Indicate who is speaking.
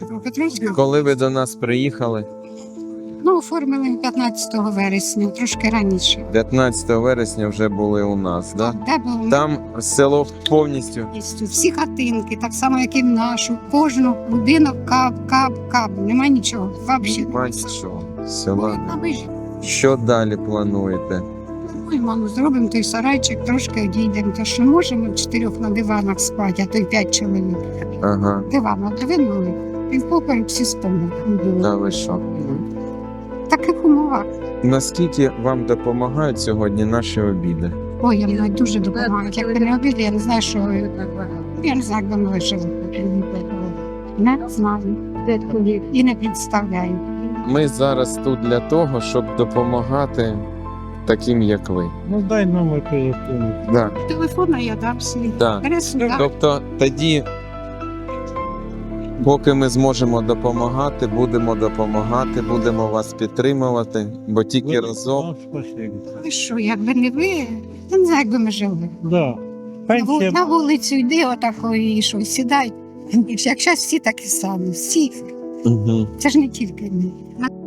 Speaker 1: Дніпропетровська.
Speaker 2: Коли ви до нас приїхали?
Speaker 1: Ну, оформили 15 вересня, трошки раніше.
Speaker 2: 15 вересня вже були у нас, да?
Speaker 1: Де було
Speaker 2: Там село повністю.
Speaker 1: повністю всі хатинки, так само, як і в нашу. Кожну будинок кап. Нема нічого. Взагалі.
Speaker 2: Немає нічого. Села.
Speaker 1: А ви ж
Speaker 2: Що далі плануєте?
Speaker 1: ой, мамо, зробимо той сарайчик, трошки одійдемо. То що можемо 4 на диванах спати, а то й 5 чоловік.
Speaker 2: Ага,
Speaker 1: Диванах двинули, півпоперек всі спали.
Speaker 2: да ви що?
Speaker 1: В таких умовах.
Speaker 2: Наскільки вам допомагають сьогодні наші обіди?
Speaker 1: Ой, я навіть дуже допомагаю. Як ви не обіди, я не знаю, що ви. Я не знаю, як би ми вижили. Не знаю. І не представляю.
Speaker 2: Ми зараз тут для того, щоб допомагати таким, як ви.
Speaker 3: Ну дай номер телефону.
Speaker 2: Да.
Speaker 1: Телефон я дам свій.
Speaker 2: Да.
Speaker 1: Ресурс.
Speaker 2: Тобто тоді, поки ми зможемо допомагати, будемо вас підтримувати, бо тільки разом.
Speaker 3: Вам спасибо.
Speaker 1: Ви що, якби не ви, я не знаю, як би ми жили.
Speaker 3: Да. Пенсія
Speaker 1: На вулицю йди отакої, і що, сідай. І як зараз всі такі самі, всі.
Speaker 2: Угу.
Speaker 1: Це ж не тільки ми.